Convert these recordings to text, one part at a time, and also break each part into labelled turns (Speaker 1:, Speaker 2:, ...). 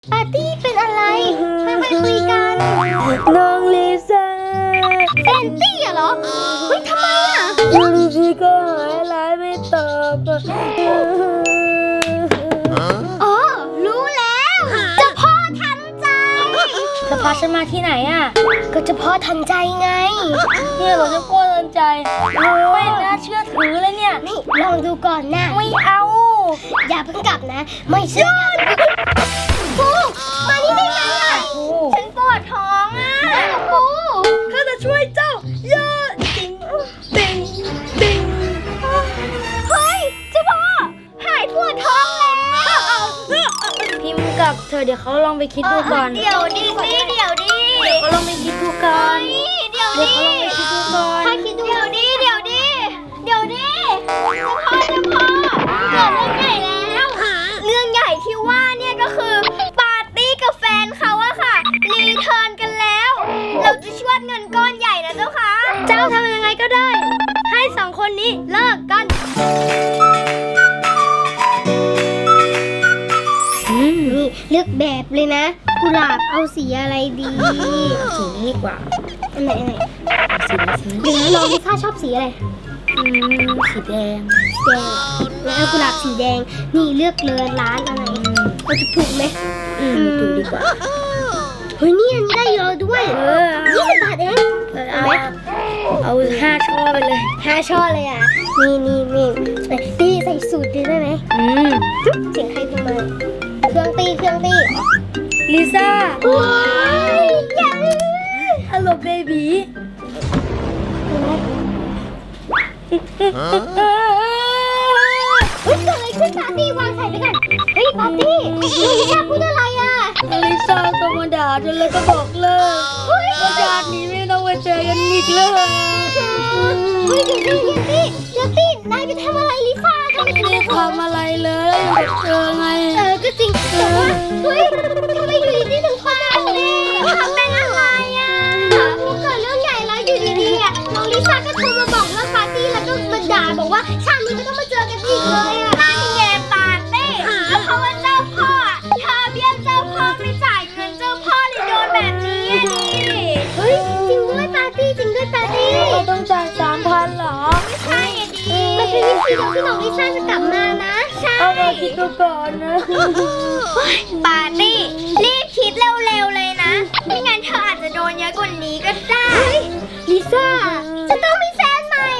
Speaker 1: ปาร์ตี้เป็นอะไรค่อยๆคุยกัน
Speaker 2: น้องลิซ่า
Speaker 1: แฟนตี้เหรอเฮ้ยทำไมอ่ะ
Speaker 2: อยู่ดีๆก็หายไลน์ไม่ตอบ
Speaker 1: อ๋อรู้แล้วเจ้าพ่อทันใจ
Speaker 2: จะพาฉันมาที่ไหนอ่ะ
Speaker 1: ก็เจ้าพ่อทันใจไง
Speaker 2: เนี่ยเราจะพ่อทันใจไม่น่าเชื่อถือเลยเนี่ย
Speaker 1: นี่ลองดูก่อนนะ
Speaker 2: ไม่เอา
Speaker 1: อย่าเพิ่งกลับนะไม่เชื่อปูมานี่ได้ไหมอ่ะฉันปวดท้องอ่ะปู
Speaker 2: ข้าจะช่วยเจ้าเยอะติงติงติง
Speaker 1: เฮ้ยเจ้าพ่อหายปวดท้องแล้ว
Speaker 2: พิมพ์กับเธอเดี๋ยวเขาลองไปคิดดูก่อน
Speaker 1: เดี๋ยวดิ
Speaker 2: เดี๋ยวเขาลองไปคิดดูก่อน
Speaker 1: เดี๋ยวดิ
Speaker 2: เขาลองไปคิดดูก่อน
Speaker 1: ถ้าคิดดูเดี๋ยวดิเจ้าพ่อเกิดเรื่องใหญ่แล้วเรื่องใหญ่ที่ว่าเนี่ยก็คือปาร์ตี้กับแฟนเขาอะค่ะรีเทิร์นกันแล้วเราจะชวดเงินก้อนใหญ่นะเจ้าค่ะ
Speaker 2: เจ้าทำยังไงก็ได้ให้สองคนนี้เลิกกัน
Speaker 1: นี่เลือกแบบเลยนะกุหลาบเอาสีอะไรดี
Speaker 2: สีนี้ดีกว่า
Speaker 1: อันไหนสีนี้น้องลิซ่าชอบสีอะไร
Speaker 2: สีแดง
Speaker 1: แล้วเอากุหลาบสีแดงนี่เลือกเลยร้านอะไรเราจะถูกไหม
Speaker 2: ถูกดีกว่า
Speaker 1: เฮ้ยนี่อันนี้ได้เยอะด้วย20 บาทเอง
Speaker 2: เอาไหมเอา5 ช่อไปเลย
Speaker 1: 5 ช่อเลยอ่ะนี่ตีใส่สูตรดีได้ไหมเสียงใครโทรมาเครื่องตี
Speaker 2: ลิซ่า
Speaker 1: ว้ายยัง
Speaker 2: ฮัลโหลเบบี
Speaker 1: เฮ้ยเกิดอะไรขึ้นปาร์ตี้วางสายไปกันเฮ้ยปาร์ตี้ลิซ่าพูดอะไรอ่ะ
Speaker 2: ลิซ่าก็มาด่าจนเลยก็บอกเลิกว่าชาตินี้ไม่ต้องมาเจอกันอีกเลย
Speaker 1: เฮ้ยเดี๋ยวตีนายไปทำอะไรลิซ่ากัน
Speaker 2: ไม่ได้ทำอะไรเลยเจอไง
Speaker 1: ก็จริงแต่ว่าเฮ้ยทำไมอยู่ดีๆถึงทำแบบนี้เป็นอะไรอ่ะพอเกิดเรื่องใหญ่แล้วอยู่ดีๆอ่ะน้องลิซ่าก็โทรมาบอกเรื่องปาร์ตี้แล้วก็มาด่าบอกว่าชาตินี้ไม่ต้องมาเจอกันอีกเลยอ่ะนั่นไงปาร์ตี้ก็เพราะว่าเจ้าพ่อเธอเบี้ยวเจ้าพ่อไม่จ่ายเงินเจ้าพ่อเลยโดนแบบนี้ดิเฮ้ยจริงด้วยปาร์ตี้
Speaker 2: เราต้องจ่าย3,000เหรอ
Speaker 1: ไม่ใช่ดิมันเป็นวิธีเดียวที่น้องลิซ่าจะกลับมานะใช่
Speaker 2: เอาเราคิดดูก่อนนะ
Speaker 1: ปาร์ตี้รีบคิดเร็วๆเลยนะไม่งั้นเธออาจจะโดนเยอะกว่านี้ก็ได้ลิซ่าจะต้องมีแฟนใหม่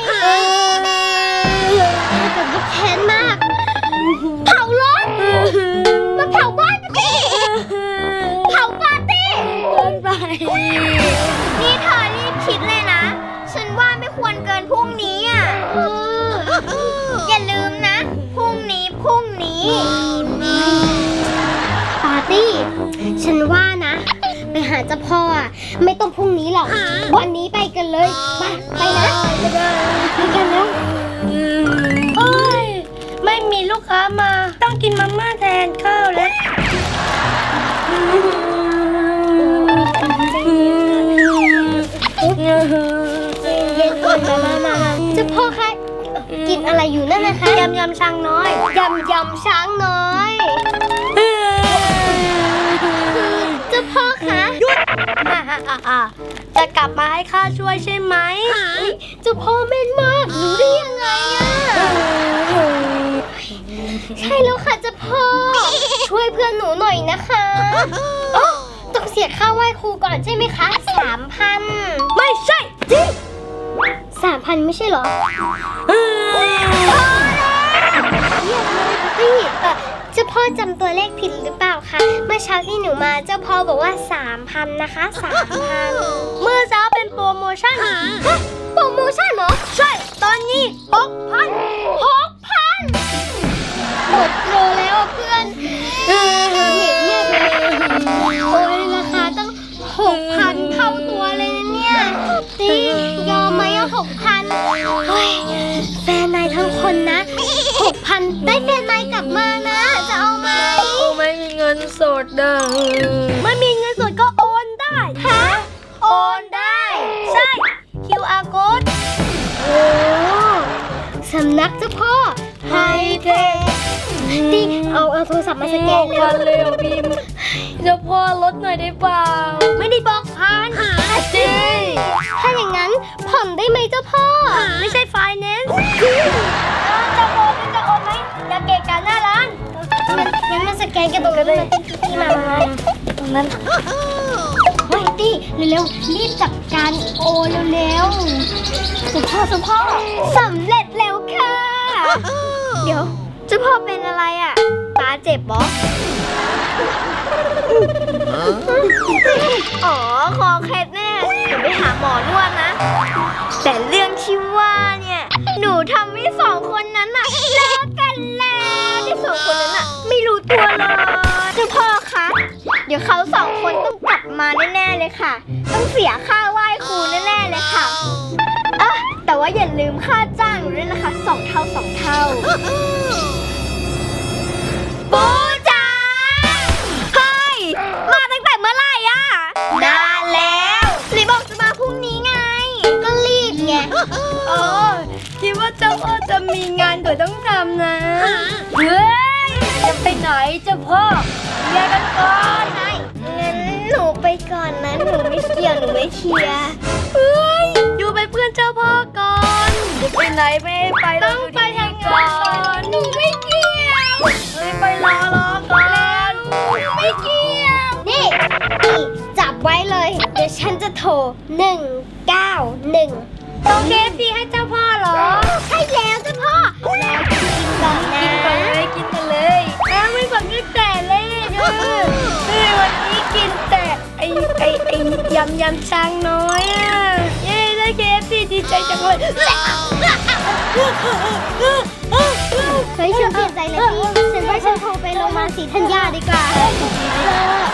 Speaker 1: แต่ว่าแค้นมากเผารถมาเผาบ้านกันดิเผาปาร์ตี้
Speaker 2: เกินไป
Speaker 1: นี่เธอรีบคิดเลยนะฉันว่าไม่ควรเกินพรุ่งนี้อ่ะอย่าลืมนะพรุ่งนี้ปาร์ตี้ฉันว่านะไปหาเจ้าพ่ออ่ะไม่ต้องพรุ่งนี้หรอกวันนี้ไปกันเลยไปนะไปกันแล้ว
Speaker 2: โอ้ยไม่มีลูกค้ามาต้องกินมาม่าแทนข้าวแล้ว
Speaker 1: เย็นก่อนมาเจ้าพ่อคะกินอะไรอยู่นั่นนะคะ
Speaker 2: ยำช้างน้อย
Speaker 1: ยำช้างน้อยเจ้าพ่อคะ
Speaker 2: หยุดจะกลับมาให้ข้าช่วยใช่ไหม
Speaker 1: เจ้าพ่อแม่นมากรู้ได้ยังไงอ่ะใช่แล้วค่ะเจ้าพ่อช่วยเพื่อนหนูหน่อยนะคะต้องเสียค่าไหว้ครูก่อนใช่ไหมคะ 3,000
Speaker 2: ไม่ใช่จริง
Speaker 1: 3,000ไม่ใช่เหรอเจ้าพ่อจำตัวเลขผิดหรือเปล่าคะเมื่อเช้าที่หนูมาเจ้าพ่อบอกว่า 3,000 นะคะ 3,000
Speaker 2: เมื่อเช้าเป็นโปรโมชั่น
Speaker 1: โปรโมชั่นเหรอ
Speaker 2: ใช่ตอนนี้
Speaker 1: 6,000หมดโปรแล้วเพื่อนเห็นเนี่ยโอ้ยราคาตั้ง 6,000 เท่าตัวเลยนะเนี่ยตียอมไหมอ่ะ 6,000 เฮ้ยแฟนนายทั้งคนนะ 6,000 ได้แฟนนายกลับมานะจะเอาไหม
Speaker 2: ไม่มีเงินสดไม่มีเงินสดก็โอนได้
Speaker 1: โอนได้
Speaker 2: ใช่ QR code
Speaker 1: โอ้สำนักเจ้าพ่อไฮเทค เอาโทรศัพท์มาสแกน
Speaker 2: เร็วพิมพ์เจ้าพ่อลดหน่อยได้เปล่าไม่ได้บอกผ่านจริง
Speaker 1: ถ้าอย่างนั้นผ่อนได้ไหมเจ้าพ่อ
Speaker 2: ไม่ใช่ไฟแนนซ์จะโอนจะโอนไหมอย่าเกะกะหน้าร้าน
Speaker 1: งั้นมันสแกนกันตรงนั้นเลยที่มาตรงนั้นเฮ้ยตี้เร็วๆรีบจัดการโอเร็วๆเจ้าพ่อสำเร็จแล้วค่ะ เดี๋ยวเจ้าพ่อเป็นอะไรอ่ะตาเจ็บเหรออ๋อคอเคล็ดแน่เดี๋ยวไปหาหมอนวดนะ แต่เรื่องที่ว่าเนี่ยหนูทำให้สองคนนั้นน่ะเลิกกันแล้วที่สองคนนั้นน่ะไม่รู้ตัวเลยเจ้าพ่อคะเดี๋ยวเขาสองคนต้องกลับมาแน่ๆเลยค่ะ ต้องเสียค่าไหว้ครูแน่ๆเลยค่ะแต่ว่าอย่าลืมค่าจ้างหนูด้วยนะคะ2 เท่าปูจ๋าเฮ้ยมาตั้งแต่เมื่อไหร่อะนานแล้วไหนบอกจะมาพรุ่งนี้ไงก็รีบไง
Speaker 2: อ๋อคิดว่าเจ้าพ่อจะมีงานก็ต้องทำนะเฮ้ยจะไปไหนเจ้าพ่อแยกกันก่อน
Speaker 1: ใช่งั้นหนูไปก่อนนะหนูไม่เกี่ยวหนูไม่เชียร์
Speaker 2: เฮ้ยอยู่เป็นเพื่อนเจ้าพ่อก่อนจะไปไหนไม่ให้ไปต้องไปทำงานก่อน
Speaker 1: หนูไม่เกี่ยว
Speaker 2: เฮ้ยไปรอก่อนไม่เกี่ยว
Speaker 1: นี่จับไว้เลยเดี๋ยวฉันจะโทร191
Speaker 2: ต้องเคฟซีให้เจ้าพ่อเหรอ
Speaker 1: ใช่แล้วเจ้าพ่อแล้วกินก่อนนะ
Speaker 2: กินกันเลยไม่ฝันตั้งแต่แรกวันนี้กินแต่ไอยำช้างน้อยอ่ะเย้ได้เคฟซีดีใจจังเลย
Speaker 1: เฮ้ยฉันเปลี่ยนใจเลยพี่ฉันว่าฉันโทรไปโรงพยาบาลศรีธัญญาดีกว่า